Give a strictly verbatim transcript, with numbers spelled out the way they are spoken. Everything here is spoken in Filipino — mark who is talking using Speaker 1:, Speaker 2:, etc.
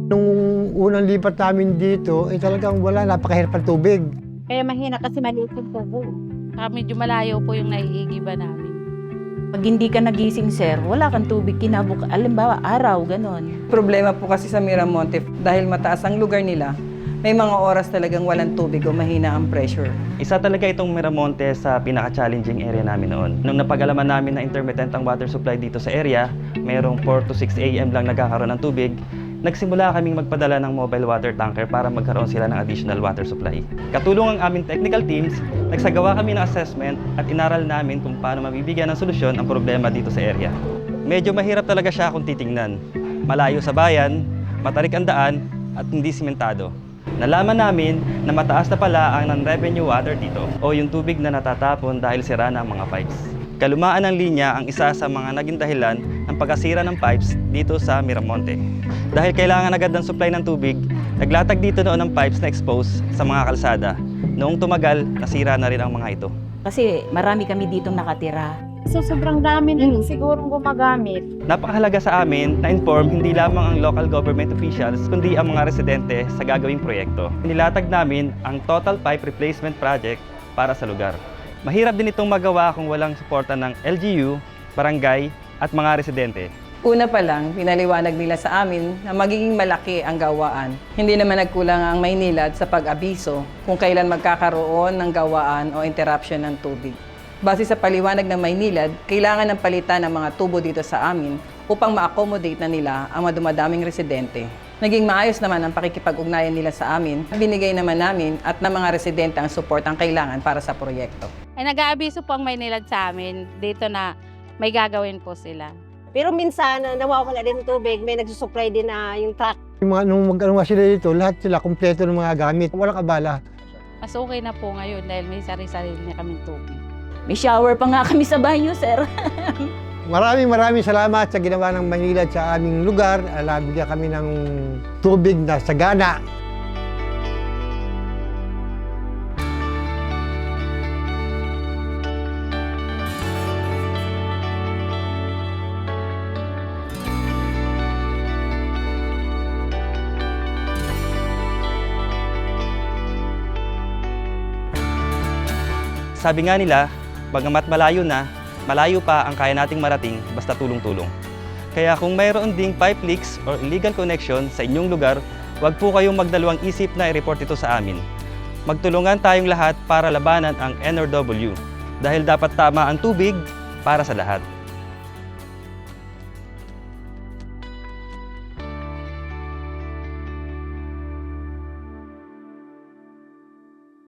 Speaker 1: Nung unang lipat namin dito, eh talagang wala, napakahirap ang tubig.
Speaker 2: Kaya mahina kasi maliit yung tubo.
Speaker 3: Saka medyo malayo po yung naiigiba namin.
Speaker 4: Pag hindi ka nagising, sir, wala kang tubig kinabuk. Alimbawa, araw, ganon.
Speaker 5: Problema po kasi sa Miramonte, dahil mataas ang lugar nila, may mga oras talagang walang tubig o mahina ang pressure.
Speaker 6: Isa talaga itong Miramonte sa pinaka-challenging area namin noon. Nung napag-alaman namin na intermittent ang water supply dito sa area, mayroong four to six A M lang nagkakaroon ng tubig, nagsimula kaming magpadala ng mobile water tanker para magkaroon sila ng additional water supply. Katulong ang aming technical teams, nagsagawa kami ng assessment at inaral namin kung paano mabibigyan ng solusyon ang problema dito sa area. Medyo mahirap talaga siya kung titingnan. Malayo sa bayan, matarik ang daan at hindi simentado. Nalaman namin na mataas na pala ang non-revenue water dito o yung tubig na natatapon dahil sira na ang mga pipes. Kalumaan ng linya ang isa sa mga naging dahilan ng pagkasira ng pipes dito sa Miramonte. Dahil kailangan agad ng supply ng tubig, naglatag dito noon ng pipes na expose sa mga kalsada. Noong tumagal, nasira na rin ang mga ito.
Speaker 4: Kasi marami kami ditong nakatira.
Speaker 2: So sobrang dami na sigurong gumagamit.
Speaker 6: Napakahalaga sa amin na inform hindi lamang ang local government officials kundi ang mga residente sa gagawing proyekto. Nilatag namin ang Total Pipe Replacement Project para sa lugar. Mahirap din itong magawa kung walang suporta ng L G U, barangay at mga residente.
Speaker 5: Una pa lang, pinaliwanag nila sa amin na magiging malaki ang gawaan. Hindi naman nagkulang ang Maynilad sa pag-abiso kung kailan magkakaroon ng gawaan o interruption ng tubig. Base sa paliwanag ng Maynilad, kailangan ng palitan ng mga tubo dito sa amin upang ma-accommodate na nila ang madumadaming residente. Naging maayos naman ang pakikipag-ugnayan nila sa amin. Binigay naman namin at ng mga residente ang support ang kailangan para sa proyekto.
Speaker 3: Ay nag-aabiso po ang Maynilad sa amin dito na may gagawin po sila.
Speaker 2: Pero minsan, uh, nawawala din ng tubig, may nagsusupply din na yung truck.
Speaker 1: Yung mga, nung mag-ano nga sila dito, lahat sila kompleto ng mga gamit. Walang abala.
Speaker 3: Mas okay na po ngayon dahil may sarili-sarili na kaming tubig.
Speaker 4: May shower pa nga kami sa banyo, sir.
Speaker 1: Maraming maraming salamat sa ginawa ng Manila sa aming lugar. Alabigyan kami ng tubig na sagana.
Speaker 6: Sabi nga nila, bagamat malayo na, malayo pa ang kaya nating marating basta tulong-tulong. Kaya kung mayroon ding pipe leaks or illegal connection sa inyong lugar, huwag po kayong magdalawang isip na i-report ito sa amin. Magtulungan tayong lahat para labanan ang N R W dahil dapat tama ang tubig para sa lahat.